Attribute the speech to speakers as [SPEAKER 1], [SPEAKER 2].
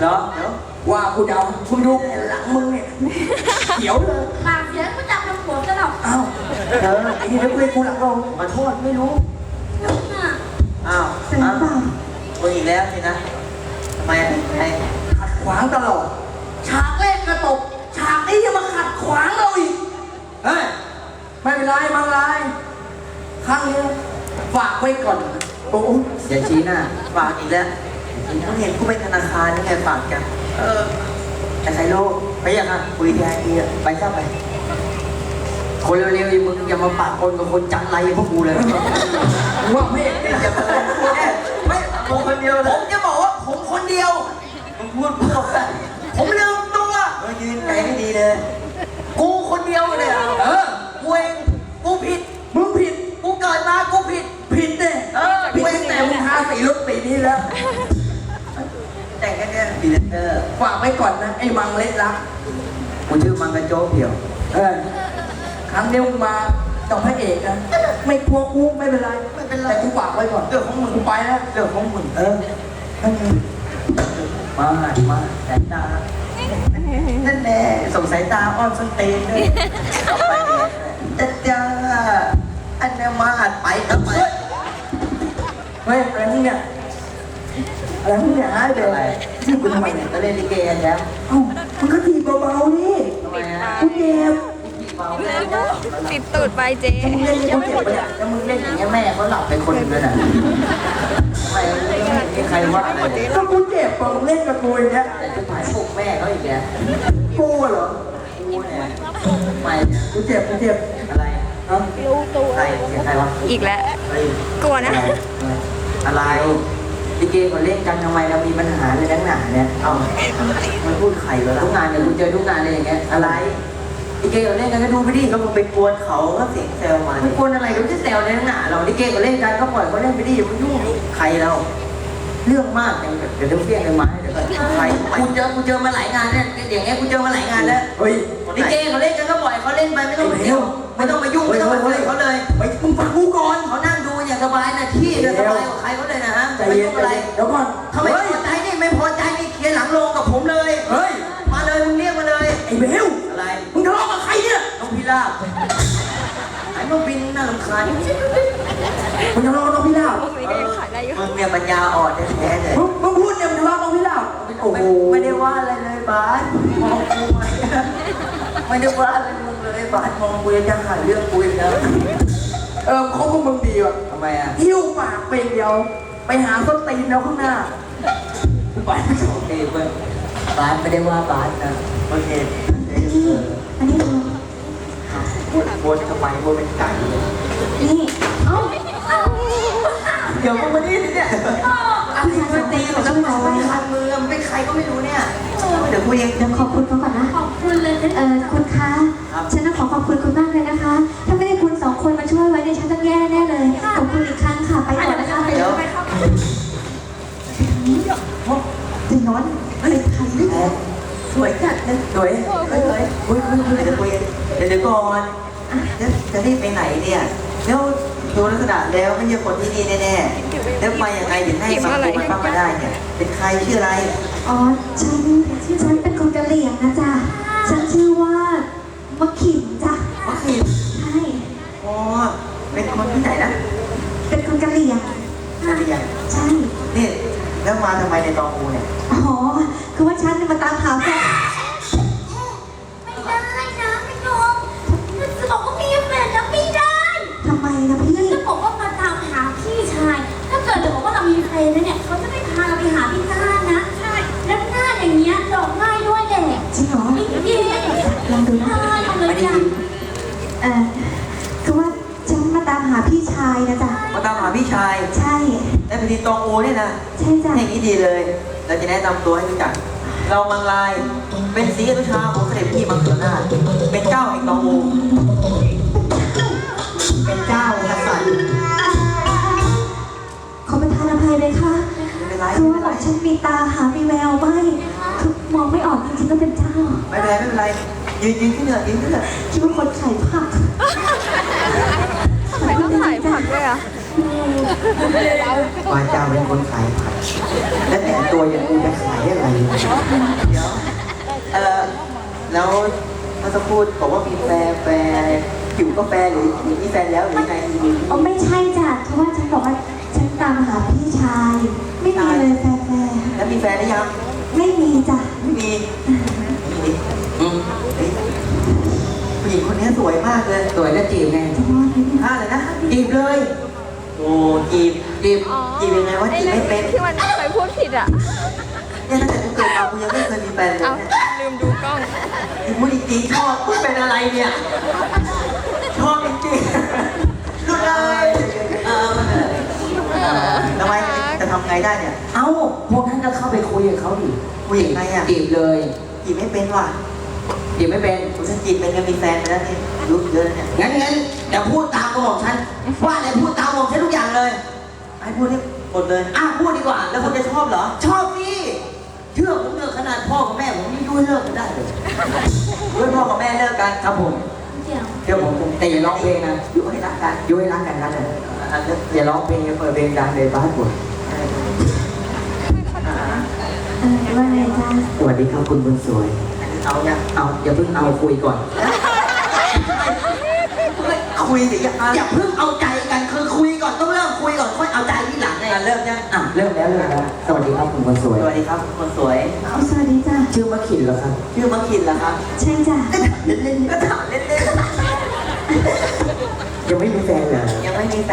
[SPEAKER 1] เหรอเดี๋ยวว่ากูเดาคุณดูแผ่นหลังมึงเนี่ยเขียวเลย
[SPEAKER 2] ปากเสียงก็จำลำหัวกันหรอก
[SPEAKER 1] อ้าวไอ้นี่เดี๋ยวกูเลยกูหลังลงขอโทษไม่รู้อ้าวมึงอีกแล้วสินะทำไมไอ้ขัดขวางตลอดฉากแรกก็ตกฉากนี้ยังมาขัดขวางเราอีกเฮ้ยไม่เป็นไรมังไรครั้งนี้ฝากไว้ก่อนโอ้อย่าชี้หน้าฝากอีกแล้วผมเห็นกูไปธนาคารนี่ไงฝากกันแต่ใครโลกไปยังอ่ะคุยแทนทีอ่ะไปซะไปคนเร็วๆมึงอย่ามาปากคนกับคนจังไรพวกกูเลยว่าไม่อย่ามาพูดแน่ไม่ผมคนเดียวผมจะบอกว่าผมคนเดียวผมพูดผมลืมตัวยืนใจไม่ดีเลยกูคนเดียวเลยกูเองกูผิดมึงผิดกูเกิดมากูผิดเนี่ยกูเองแต่มึงทาสีรถสีนี้แล้วแต่งแค่นี้บีเลเตอร์ฝากไว้ก่อนนะไอ้มังเล็ดรักกูชื่อมังกระโจกเดี่ยวครั้งเดียวมาต่อพระเอกนะไม่กลัวกูไม่เป็นไรแต่กูฝากไว้ก่อนเรื่องของมึงกูไปแล้วเรื่องของมึงมาสายตานั่นแหละส่งสายตาอ้อนส้นตีนเลยไปจ้าอันนี้มาหัดไปครับไปเฮ้ยอะไรนี่เนี่ยอะไรนี่เนี่ยเดี๋ยวอะไรชื่อกูทำไมเนี่ยก็เล่นลิเกกันแล้วมันก็ทีเบาๆนี่กูเจ็บ
[SPEAKER 3] ติดตูดไปเจ๊
[SPEAKER 1] มึงเล่นกูเจ็บไปเนี่ยแล้วมึงเล่นอย่างเงี้ยแม่เขาหลับไปคนนึงเลยนะไม่ใครว่าอะไรก็กูเจ็บมึงเล่นกับกูอย่างเงี้ยแต่จะถ่ายพวกแม่เขาอีกแล้วกูเหรอกูเนี่ยไม่กูเจ็บอะไรใครเสียใครวะ
[SPEAKER 3] อีกแล้วกลัวนะ
[SPEAKER 1] อะไรลิเกเขาเล่นกันทำไมเรามีปัญหาเลยนักหนาเนี่ยมันพูดไข่แล้วทุกงานเนี่ยกูเจอทุกงานเลยอย่างเงี้ยอะไรลิเกเขาเล่นกันก็ดูไปดิก็มึงไปกวนเขาก็เสียงแซวมาไม่กวนอะไรก็จะแซวในนักหนาเราลิเกเขาเล่นกันก็ปล่อยเขาเล่นไปดิอย่าไปยุ่งใครเราเรื่องมากอย่างเดี๋ยวเฟี้ยงเลยไม้เดี๋ยวใครกูเจอมาหลายงานเนี่ยอย่างเงี้ยกูเจอมาหลายงานแล้วเฮ้ยลิเกเขาเล่นกันก็ปล่อยเขาเล่นไปไม่ต้องมายุ่งไม่ต้องมายุ่งไม่ต้องมาคุยเขาเลยไปมึงฟังกูก่อนเขานั่งดูอย่างสบายนะที่จะสบายกว่าใครเขาเลยนะฮะไม่ต้องอะไรเดี๋ยวก่อนทำไมพอใจนี่ไม่พอใจนี่เคลียร์หลังโรงกับผมเลยเฮ้ยมาเลยมึงเรียกมาเลยไอ้เบลอะไรมึงทะเลาะกับใครเนี่ยน้องพิราบไอ้น้องบินน่ารำคาญมึงทะเลาะกับน้องพิราบมึงเนี่ยปัญญาอ่อนแท้ๆเลยมึงพูดเนี่ยมึงทะเลาะกับน้องพิราบโอ้โหไม่ได้ว่าอะไรเลยบาสมองกูไม่ได้ว่าอะไรมึงเลยบาสมองกูจะหาเรื่องกูอีกแล้วเขาพวกมึงดีว่ะทำไมอ่ะหิ้วปากไปเดียวไปหาส้นตีนแล้วข้างหน้าบาสโอเคเพื่อนบาสไม่ได้ว่าบาสนะโอเค
[SPEAKER 2] อันนี้
[SPEAKER 1] บนทำไมบนเป็นไก่
[SPEAKER 2] นี่
[SPEAKER 1] เดี๋ยวมึงมานี่เนี่ยส้นตีนของน้ำมันคันมือมันเป็นใครก็ไม่รู้เนี่ยเดี๋ยวคุยเอง
[SPEAKER 2] เดี๋ยวขอบคุณเขาก่อนนะขอบคุณเลยคุณคะฉันต้องขอบคุณคุณมากเลยนะคะถ้าไม่ได้คุณสองคนมาช่วยไว้เนี่ยฉันต้องแย่แน่เลยขอบคุณอีกครั้งค่ะไปก่อนนะคะ
[SPEAKER 1] เดี๋ยวตีน้อยเป็นใครเนี่ยสวยจัดเลยสวยคุยเดี๋ยวคุยเดี๋ยวก่อนจะรีบไปไหนเนี่ยแล้วดูลักษณะแล้วไม่ใช่คนที่นี่แน่ๆแล้วไปยังไงถึงให้บางคนมันเข้ามาได้เนี่ยเป็นใครชื่ออะไร
[SPEAKER 2] อ๋อฉันเป็นคนกะเหรี่ยงนะจ๊ะฉันชื่อว่ามะขิมจ้ะ
[SPEAKER 1] มะขิม
[SPEAKER 2] ใช่
[SPEAKER 1] อ๋อเป็นคนที่ไหนนะ
[SPEAKER 2] เป็นคนกะเหรี่ยง
[SPEAKER 1] กะเหรี่ยง
[SPEAKER 2] ใช่
[SPEAKER 1] นี่แล้วมาทำไมในตองกูเนี่ย
[SPEAKER 2] อ๋อคือว่าฉันมาตามหาแฟน
[SPEAKER 4] ไม่ได้นะพี่น้องจะบอกว่ามีแฟนนะไม่ได้
[SPEAKER 2] ทำไมนะพี่
[SPEAKER 4] จะบอกว่ามาตามหาพี่ชายถ้าเกิดเราบอกว่าเรามีแฟนแล้วเนี่ยเขาจะไม่พาเราไปหาพี่หน้านะใช่แล้วหน้าอย่างเงี้ยหลอกง่ายด้วยแหละ
[SPEAKER 2] จริงเหรอ
[SPEAKER 4] จริง
[SPEAKER 2] ลองดูนะ
[SPEAKER 4] ลองเลยจ้ะ
[SPEAKER 2] คือว่าฉันมาตามหาพี่ชายนะจ๊ะ
[SPEAKER 1] มาตามหาพี่ชาย
[SPEAKER 2] ใช่
[SPEAKER 1] แล้วพอดีตองโอเนี่ยนะ
[SPEAKER 2] ใช่จ้ะ
[SPEAKER 1] อย่างนี้ดีเลยเราจะแนะนำตัวให้รู้จักเรามังลายเป็นศรีอนุชาของเสด็จพี่มังกรนาถเป็นเจ้าแห่งตองโอเป็นเจ้ากษัตริย์
[SPEAKER 2] ขอประทานอภัยเลยค่ะคือว่าบอกฉันมีตาหามีแววไม่คือมองไม่ออกจริงๆก็เป็นเจ้า
[SPEAKER 1] ไม่เป็นไรยืนขึ้นเถอะ
[SPEAKER 2] คิดว่าคนขายผัก
[SPEAKER 3] ทำไมต้องขายผักด้วยอ่ะ
[SPEAKER 1] ว่าเจ้าเป็นคนขายผักแล้วแต่ตัวอย่างกูจะขายอะไร
[SPEAKER 5] เดี๋ยวแล้วเมื่อสักครู่บอกว่ามีแฟนอะไรอยู่ก็แฟนหรือมีแฟนแล้วหรือยังไง
[SPEAKER 2] อ๋อไม่ใช่จ้ะเพราะว่าฉันบอกว่าฉันตามหาพี่ชาย ไม่มีเลยแฟน
[SPEAKER 5] แล้วมีแฟนหรือยัง
[SPEAKER 2] ๆไม่มีจ้ะ
[SPEAKER 5] ไม่มีผู้หญิงคนนี้สวยมากเลย
[SPEAKER 1] สวยแล้วจีบไง
[SPEAKER 2] จะรอดไหมเนี่ย
[SPEAKER 5] ท่าเลยนะ
[SPEAKER 1] จีบเลย
[SPEAKER 5] โอ้จีบ
[SPEAKER 1] จีบ
[SPEAKER 3] อ๋อ
[SPEAKER 5] จีบยังไงวะจีบไม่เป็น
[SPEAKER 3] ที่มันเคยพูดผิดอ่ะ
[SPEAKER 5] เนี่ยตั้งแต่กูเกิดมากูยังไม่เคยมีแฟนเลย
[SPEAKER 3] เอา
[SPEAKER 5] เนี่ย
[SPEAKER 3] ลืมดูกล้อง
[SPEAKER 5] พูดจริงๆชอบพูดเป็นอะไรเนี่ยชอบจริงๆรู้เลยทำไมจะทำไงได้เนี่ย
[SPEAKER 1] เอ้าพวกนั้นก็เข้าไปคุยกับเขาดิ
[SPEAKER 5] ผู้หญิงไงอ่ะ
[SPEAKER 1] จีบเลย
[SPEAKER 5] จีบไม่เป็นว่ะ
[SPEAKER 1] จีบไม่เป็น
[SPEAKER 5] กูฉันจีบเป็นก็มีแฟนไปแล้วนี่รู้เยอะแล้วเนี่ย
[SPEAKER 1] งั้นเดี๋ยวพูดตามกระบอกฉันว่าอะไรพูดตามบอกฉันทุกอย่างเลย
[SPEAKER 5] ให้พูดให้หมดเลย
[SPEAKER 1] พูดดีกว่า
[SPEAKER 5] แล้วคุณจะชอบเหรอ
[SPEAKER 1] ชอบพี่เชื่อผมเถอะขนาดพ่อกับแม่ผมนี่ด้วยเลิกกันได้เลย
[SPEAKER 5] ด้วยพ่อกับแม่เลิกกัน
[SPEAKER 1] ครับผม
[SPEAKER 4] เดี๋ยว
[SPEAKER 1] เดี๋ยวผมแต่อย่าร้องเพลงนะ
[SPEAKER 5] อยู่ให้รักกัน
[SPEAKER 1] ยุ้ยรักกันนะ
[SPEAKER 5] อันนี้
[SPEAKER 1] อย่าร้องเพลงอย่าเปิดเพลงดังเลยบ้านปวด
[SPEAKER 2] ว่าไงจ้ะ
[SPEAKER 1] สวัสดีครับคุณคนสวย
[SPEAKER 5] เอาเนี่ย
[SPEAKER 1] เอาอย่าเพิ่งเอาคุยก่อน
[SPEAKER 5] คุยสิ
[SPEAKER 1] อย่าเพิ่งเอาใจกันคือคุยก่อนต้องเริ่มคุยก่อนค่อยเอาใจที่หลังไง
[SPEAKER 5] เริ่มยัง
[SPEAKER 1] เริ่มแล้วสวัสดีครับคุณคนสวย
[SPEAKER 5] สวัสดีครับคนสวย
[SPEAKER 2] เอาสวัสดีจ้ะ
[SPEAKER 1] ชื่อมะขินเหรอครับ
[SPEAKER 5] ชื่อมังคินเหรอครับ
[SPEAKER 2] ใช่จ้ะ
[SPEAKER 5] เล่นๆก็ถามเล่น
[SPEAKER 1] ยังไม่มีแฟนเหรอ
[SPEAKER 5] ๆยังไม่มีแฟน